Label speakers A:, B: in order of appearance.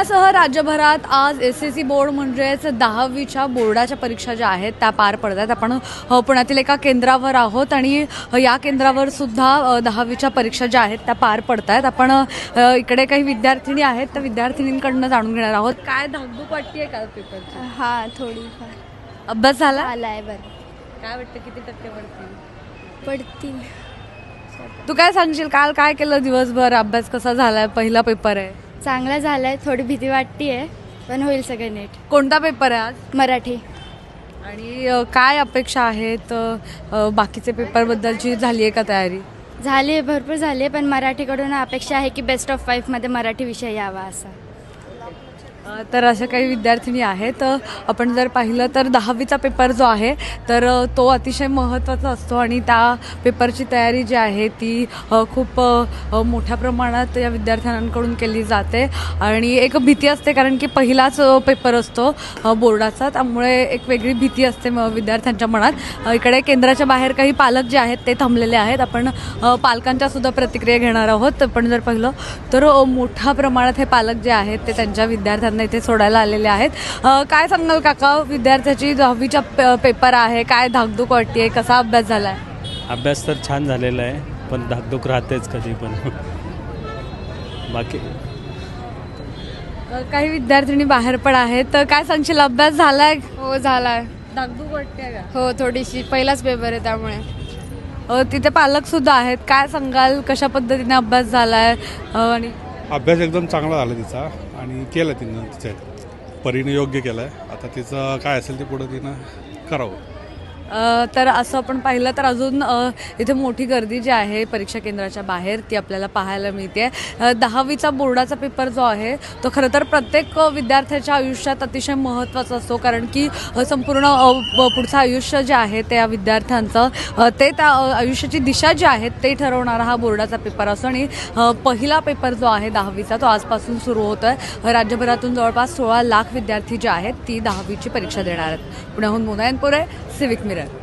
A: पुण्यासह राज्यभरात आज SSC बोर्ड म्हणजेच 10वीच्या बोर्डाच्या परीक्षा ज्या आहेत त्या पार पडत आहेत. आपण पुण्यातील एका केंद्रावर आहोत आणि या केंद्रावर सुद्धा 10वीच्या परीक्षा ज्या आहेत त्या पार पडत आहेत. आपण इकडे काही विद्यार्थिनी आहेत त्या विद्यार्थिनींकडून जाणून घेणार आहोत. काय धाकधूक वाटते का पेपरची?
B: हां, थोडीफार.
A: अभ्यास झाला?
B: आलाय बरं.
A: काय वाटतं किती टक्के
B: पडतील.
A: तू काय सांगशील, काल काय केलं दिवसभर? अभ्यास कसा झालाय? पहिला पेपर आहे.
B: चांगला झालाय. थोडी भीती वाटतेय पण होईल सगळं नीट.
A: कोणता पेपर आहे आज?
B: मराठी.
A: आणि काय अपेक्षा आहेत? बाकीचे पेपरबद्दलची झाली आहे का तयारी?
B: झाली, भरपूर झाली, पण मराठीकडून अपेक्षा आहे की बेस्ट ऑफ 5 मध्ये मराठी विषय यावा असा.
A: तर अशा काही विद्यार्थिनी आहेत. आपण जर पाहिलं तर 10वीचा पेपर जो आहे तर तो अतिशय महत्त्वाचा असतो आणि त्या पेपरची तयारी जी आहे ती खूप मोठ्या प्रमाणात या विद्यार्थ्यांकडून केली जाते आणि एक भीती असते कारण की पहिलाच पेपर असतो बोर्डाचा, त्यामुळे एक वेगळी भीती असते विद्यार्थ्यांच्या मनात. इकडे केंद्राच्या बाहेर काही पालक जे आहेत ते थांबलेले आहेत. आपण पालकांच्या सुद्धा प्रतिक्रिया घेणार आहोत. आपण जर पाहिलं तर मोठ्या प्रमाणात हे पालक जे आहेत ते त्यांच्या विद्यार्थ्यांना इथे सोडायला आलेले आहेत. काय सांगाल काका, विद्यार्थ्याची 10वीचा पेपर आहे, काय धाकधूक वाटते? कसा अभ्यास झाला आहे?
C: अभ्यास तर छान झालेला आहे पण धाकधूक राहतेच कधी पण. बाकी
A: काही विद्यार्थिनी बाहेर पण आहेत. तर काय सांगशील, अभ्यास झालाय?
B: हो, झालाय.
A: धाकधूक वाटते का?
B: हो, थोडीशी. पहिलाच पेपर आहे त्यामुळे.
A: तिथे पालक सुद्धा आहेत. काय सांगाल, कशा पद्धतीने अभ्यास झालाय? आणि
D: अभ्यास एकदम चांगला झाला तिचा आणि केलं तिनं तिच्या परीनं योग्य केलं आहे. आता तिचं काय असेल ते पुढं तिनं करावं.
A: तर असं आपण पाहिलं तर अजून इथे मोठी गर्दी जी आहे परीक्षा केंद्राच्या बाहेर ती आपल्याला पाहायला मिळते. 10वीचा बोर्डाचा पेपर जो आहे तो खरं तर प्रत्येक विद्यार्थ्याच्या आयुष्यात अतिशय महत्त्वाचा असतो कारण की संपूर्ण पुढचं आयुष्य जे आहे ते या विद्यार्थ्यांचं ते त्या आयुष्याची दिशा जी आहे ते ठरवणारा हा बोर्डाचा पेपर असतो आणि पहिला पेपर जो आहे 10वीचा तो आजपासून सुरू होतो आहे. राज्यभरातून जवळपास 16 लाख विद्यार्थी जे आहेत ती 10वीची परीक्षा देणार आहेत. पुण्याहून मोनायनपुरे, सिविक मिरर.